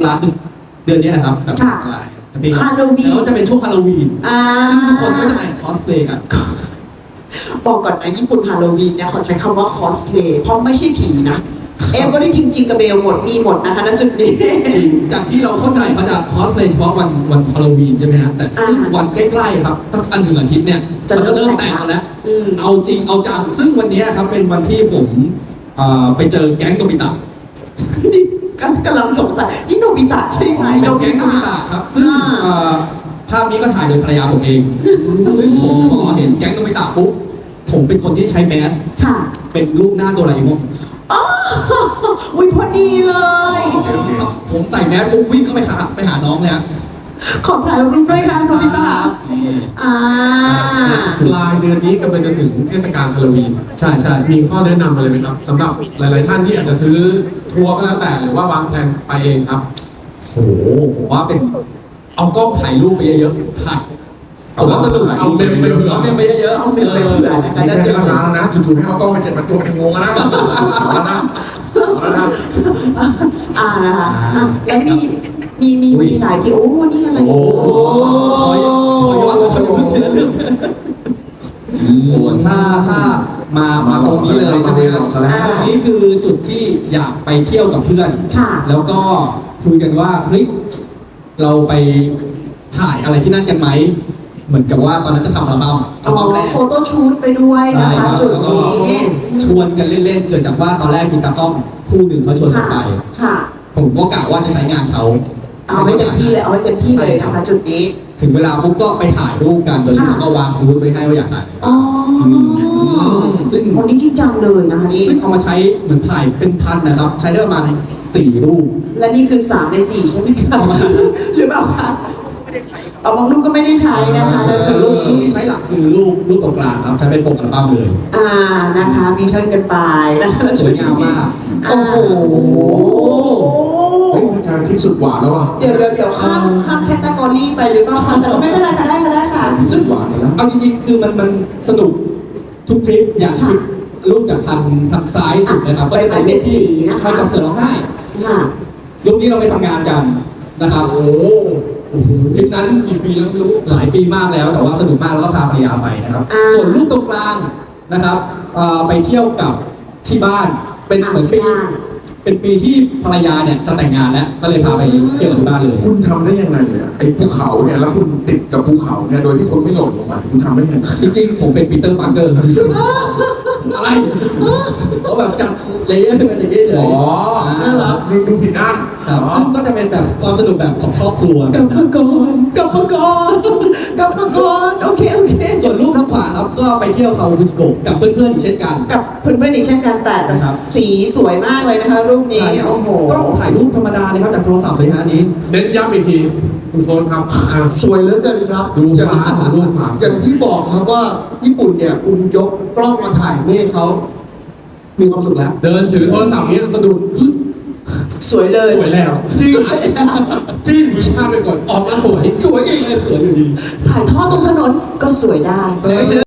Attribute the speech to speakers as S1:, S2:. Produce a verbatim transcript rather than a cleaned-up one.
S1: ลาคือเดือนนี้แหละครับแบบอะไรฮาโลวีนแล้วจะเป็นช่วงฮาโลวีนซึ่งทุกคนก็จะแต่งคอสเพลย์กัน
S2: บอกก่อนนะญี่ปุ่นฮาโลวีนเนี่ยเขาใช้คำว่าคอสเพลย์เพราะไม่ใช่ผีนะเอเวอร์ทิ้งจริงกับเบลหมดมีหมดนะคะณจุดนี้
S1: จากที่เราเข้าใจเขาจะคอสเพลย์เฉพาะวันวันฮาโลวีนใช่ไหมฮะแต่วันใกล้ๆครับตั้งอันหนึ่งอาทิตย์เนี่ยมันจะเริ่มแต่งกันแล้วเอาจริงเอาจังซึ่งวันนี้ครับเป็นวันที่ผมไปเจอแก๊งโนบิตะ
S2: นี่กำลังสงสัยนี่โนบิตะใช่ไหม
S1: โนบิตะครับซึ่งภาพนี้ก็ถ่ายโดยภรรยาผมเองซึ่งผมพอเห็นแก๊งโนบิตะปุ๊บผมเป็นคนที่ใช้แมสเป็นรูปหน้าโดราเอมอน
S2: อ๋ออุ้ยพอดีเลย
S1: ผมใส่แมสปุ๊บวิ่งเข้าไปหาไปหาน้องเนี่ย
S2: ขอถ่ายรูปด้วยค่ะโนบิตะอ่า
S3: ปลายเดือนนี้กำลังจะถึงเทศกาลฮาโลวีน
S1: ใช่ใช่
S3: มีข้อแนะนำอะไรไหมครับสำหรับหลายๆท่านที่อาจจะซื้อทัวร์ก็แล้วแต่หรือว่าวางแผนไปเองครับ
S1: โหผมว่าเป็นเอากล้องถ่ายรูปไปเยอะๆถ่ายเอาแล้วสนุกเอาเมมไปเผื่อเมมไปเยอะๆ
S2: เอาเมมไปเผื่อ
S3: นี่แค่ราคาแล้วนะจู่ๆให้เอากล้องไปเจ็ดพันตัวเองงงนะแล้วนะแล้วนะ
S2: อ่านะคะแล้วมีมีมีมีหลายที่โอ้นี่อะไร
S1: โอ้ขอย้อนขอย้อนทีละเรื่องถ้าถ้ามามาตรงนี้เลยใช่ไหมครับตรงนี้คือจุดที่อยากไปเที่ยวกับเพื่อนแล้วก็คุยกันว่าเฮ้ยเราไปถ่ายอะไรที่นั่นกันไหมเหมือนกับว่าตอนนั้นจะทำอัลบั้มอัลบั้มแรก
S2: โฟโต้ชูตไปด้วยนะคะจุดนี้
S1: ชวนกันเล่นๆเกิดจากว่าตอนแรกมีตากล้องคู่หนึ่งเขาชวนกันไปผมก็กะว่าจะใช้งานเขา
S2: เอาให้เต็มที่เลยเอาให้เต็มที่เลยนะคะจุดนี้
S1: ถึงเวลาปุ๊บก็ไปถ่ายรูปกันโดยที่เขาก็วางรูปไว้ให้ว่าอยากถ่าย
S2: อ๋อซึ่งคนนี้จริงจังเลยนะคะนี่
S1: ซึ่งเอามาใช้เหมือนถ่ายเป็นพันนะครับใช้ได้ประมาณสี่รูป
S2: และนี่คือสามในสี่ใช่ไหมคะหรือเปล่าคะเอาบางรูปก็ไม่ได้ใช้นะคะ
S1: แต่รูปรูปที่ใช้หลักคือรูปรูปตรงกลางครับใช้เป็นปกอัลบั้มเลย
S2: อ่านะคะมีเทิร์นกันไปนะคะ
S1: สวยงามมาก
S2: โอ้โห
S3: เฮ้ยทางที่สุดหวานแล้วอ่ะ
S2: เดี๋ยวเดี๋ยวเดี๋ยวข้ามข้ามแคตตากรีไปหรือเปล่าคะแต่ก็ไม่เป็นไรค่ะได้ค่ะได้ค่ะ
S3: สุดหวานแล้ว
S1: เอาจริงๆคือมันมันสนุกทุกทริปอย่างทริปรูปจากทางทางซ้ายสุดนะครับ
S2: ไปไปเป็นสีนะคะ
S1: ไปกับเสือร้องไห้รูปนี้เราไปทำงานกันนะครับโอ้ทริปนั้นกี่ปีแล้วไม่รู้หลายปีมากแล้วแต่ว่าสนุกมากแล้วก็พาภรรยาไปนะครับส่วนรูปตรงกลางนะครับไปเที่ยวกับที่บ้านเป็นเหมือนปีเป็นปีที่ภรรยาเนี่ยจะแต่งงานแล้วก็เลยพาไปเที่ยวที่บ้านเลย
S3: คุณทำได้ยังไงเนี่ยไอ้ภูเขาเนี่ยแล้วคุณติดกับภูเขาเนี่ยโดยที่คนไม่หล่นลงมาคุณทำได้ยังไง
S1: จริงๆผมเป็นปีเตอร์ปาร์เกอร์ครับอะไรเขาแบบจัดเลเยอร์เป็นอย่างนี้เลย
S3: อ๋อน่ารักดูดูผิดด้าน
S1: ซึ่งก็จะเป็นแบบความสนุกแบบของครอบครัว
S2: กลับมาก่อนกลับมาก่อนกลับมาก่อนโอเคโอเค
S1: ส่วนรูปทางขวาครับก็ไปเที่ยวเขาบุสโกกับเพื่อนๆอีกเช่นกัน
S2: กับเพื่อนๆอีกเช่นกันแต่แต่สีสวยมากเลยนะคะรูปนี้โอ้โห
S1: ก็ถ่ายรูปธรรมดาเลยครับจากโทรศัพท์เลยฮะนี้
S3: เน้นย้ำอีกทีคุณโค้ชครับ
S4: สวยเหลือเกินครับ
S3: ดูฟ้าดูฟ้า
S4: อย่างที่บอกครับว่าญี่ปุ่นเนี่ยคุณยกกล้องมาถ่ายเมฆเขามีความสุขแล้ว
S3: เดินถือโทรศัพท์นี้สะดุด
S2: สวยเลย
S3: สวยแล้ว
S4: จริงจริง
S3: ภาพไปก่อนออกมาสวย
S4: สวยอีก
S1: สวยอยู่ดี
S2: ถ่ายทอดตรงถนนก็สวยได้